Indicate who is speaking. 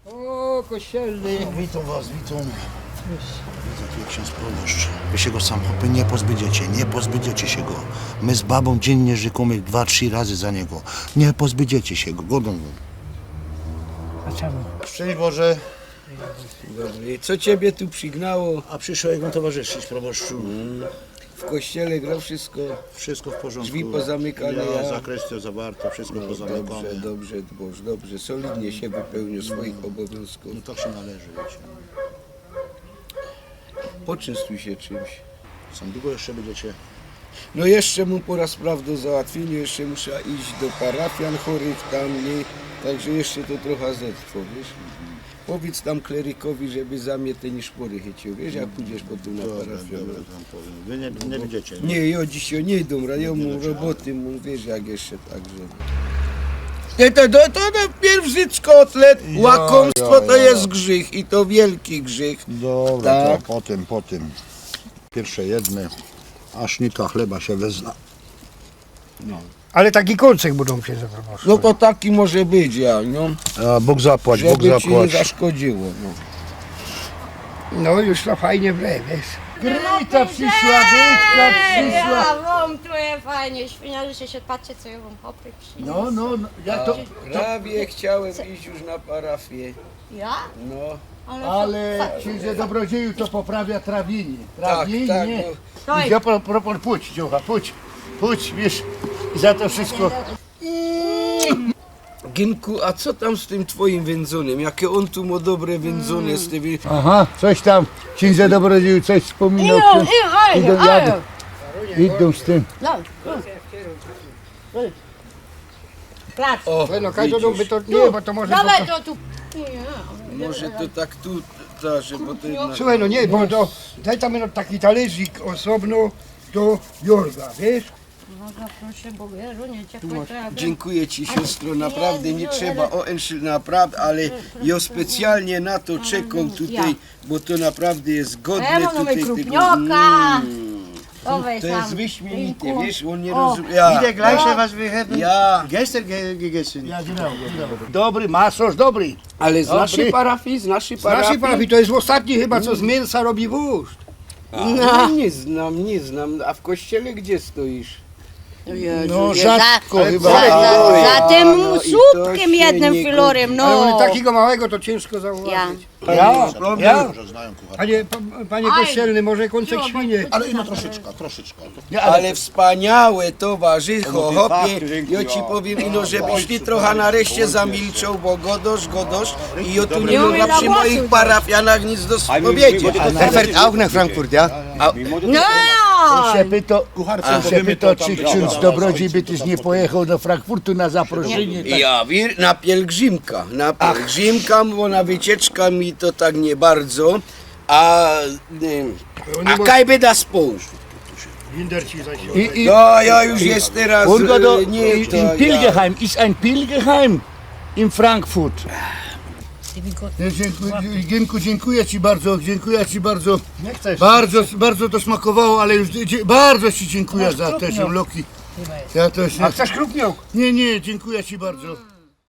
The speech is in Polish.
Speaker 1: O, kościelny.
Speaker 2: Witam was, witam. Witam, jak ksiądz proboszcz. Wy się go sam chłopy nie pozbędziecie się go. My z babą dziennie rzekomy 2-3 razy za niego. Nie pozbędziecie się go, godą go.
Speaker 1: A czemu?
Speaker 2: Szczęść Boże.
Speaker 3: Dobry. Co ciebie tu przygnało?
Speaker 2: A przyszło jak mu towarzyszyć, proboszczu.
Speaker 3: W kościele gra wszystko.
Speaker 2: Wszystko w porządku.
Speaker 3: Drzwi pozamykane,
Speaker 2: Ja,
Speaker 3: ja.
Speaker 2: zakrestio zawarto, wszystko pozamykane.
Speaker 3: Dobrze, dobrze. Solidnie się wypełnił swoich obowiązków.
Speaker 2: No tak się należy, wiecie.
Speaker 3: Poczęstuj się czymś.
Speaker 2: Sam długo jeszcze będziecie?
Speaker 3: No jeszcze mu po raz do załatwienia, jeszcze muszę iść do parafian chorych tam, nie? Także jeszcze to trochę zetrwo, wiesz? Powiedz tam klerykowi, żeby za mnie te niszpory chycił, wiesz, jak pójdziesz potem na parafian.
Speaker 2: Dobra, tam powiem. Wy nie będziecie.
Speaker 3: Nie, ja dzisiaj nie idą, ja mu roboty, mu wiesz, jak jeszcze także. To pierwszy kotlet, łakomstwo to jest grzech i to wielki grzech.
Speaker 2: Dobra,
Speaker 3: Tak.
Speaker 2: to potem. Pierwsze jedne, a sznika chleba się wezna.
Speaker 1: Ale taki kolczyk budą się zaproponować.
Speaker 3: No to taki może być, ja, no,
Speaker 2: A Bóg zapłać, Bóg
Speaker 3: żeby ci nie
Speaker 2: zapłać.
Speaker 3: zaszkodziło. No.
Speaker 1: No już to fajnie wle, wiesz. Gryta przyszła, Grytka przyszła.
Speaker 4: Ja wam tu jest fajnie, świniarzycie się, patrzcie co ja wam hopy przyniosę.
Speaker 1: No, ja to...
Speaker 3: Prawie chciałem iść już na parafię,
Speaker 4: Ja?
Speaker 3: no.
Speaker 1: Ale księże dobrodzieju to poprawia trawienie. Trawienie.
Speaker 3: Tak, no.
Speaker 4: Stoj.
Speaker 1: Ja pójdź, dziocha, pójdź, wiesz, za to wszystko.
Speaker 3: Ginku, a co tam z tym twoim wędzonym? Jakie on tu ma dobre wędzone z tymi...
Speaker 1: Aha, coś tam, księże dobrodzieju coś wspominał. Idą z tym.
Speaker 4: Plac.
Speaker 3: O,
Speaker 1: No każdą by
Speaker 3: widzisz,
Speaker 1: to, nie, bo to może...
Speaker 4: Dawaj to tu.
Speaker 3: może to tak tu, bo to jednak...
Speaker 1: Słuchaj, no nie, bo to, daj tam no, taki talerzyk osobno do Jorga, wiesz?
Speaker 4: Proszę, bo Jezu, nie ciepłe to ja wiem.
Speaker 3: Dziękuję ci siostro, naprawdę nie trzeba naprawdę, ale ja specjalnie na to czekam tutaj, bo to naprawdę jest godne
Speaker 4: Ja mam
Speaker 3: tutaj
Speaker 4: mamy
Speaker 3: tego.
Speaker 4: krupnioka. To weź
Speaker 3: To
Speaker 4: tam.
Speaker 3: jest wyśmienite,
Speaker 4: Dziękuję.
Speaker 3: wiesz, on nie
Speaker 4: O.
Speaker 3: rozumie. Ja,
Speaker 5: Gleiche, was wir hätten
Speaker 3: ja,
Speaker 5: gestern gegessen.
Speaker 1: Ja, genau. Dobry, masoż dobry.
Speaker 3: ale z
Speaker 1: Dobry.
Speaker 3: naszej parafii, z naszej
Speaker 1: Z naszej
Speaker 3: parafii.
Speaker 1: parafii to jest ostatni chyba, co z mięsa robi wóz.
Speaker 3: No, nie znam, a w kościele gdzie stoisz?
Speaker 2: No rzadko chyba.
Speaker 4: Za tym
Speaker 3: no i to
Speaker 4: słupkiem
Speaker 3: się
Speaker 4: jednym
Speaker 3: nie
Speaker 4: filorem,
Speaker 1: Ale
Speaker 4: no.
Speaker 1: one takiego małego to ciężko zauważyć.
Speaker 4: Ja.
Speaker 1: Ja?
Speaker 2: Może znają kucharza.
Speaker 1: Panie kościelny, może kącek świnie.
Speaker 2: Ale no troszeczkę.
Speaker 3: Ale wspaniałe towarzycho,
Speaker 5: No,
Speaker 3: hopie,
Speaker 5: fakty,
Speaker 3: ja ci powiem ino, żebyś ty trochę nareszcie zamilczał, bo godosz i ja tu nie mogę przy moich parafianach nic do powiedzieć.
Speaker 5: Er fährt auch nach Frankfurt, ja?
Speaker 4: No!
Speaker 2: Się pyta, czy ksiądz dobrodziej by też nie pojechał do Frankfurtu na zaproszenie. Tak.
Speaker 3: Ja na pielgrzymka, bo na wycieczka mi to tak nie bardzo, a kaj by da spół. No ja już jest teraz, nie to, ja.
Speaker 6: Pilgerheim ist ein Pilgerheim in Frankfurt.
Speaker 2: Gienku, dziękuję ci bardzo.
Speaker 1: Nie chcesz.
Speaker 2: Bardzo to smakowało, ale już bardzo ci dziękuję za te ziemloki. Ja to się...
Speaker 1: A chcesz krupniok?
Speaker 2: Nie, dziękuję ci bardzo.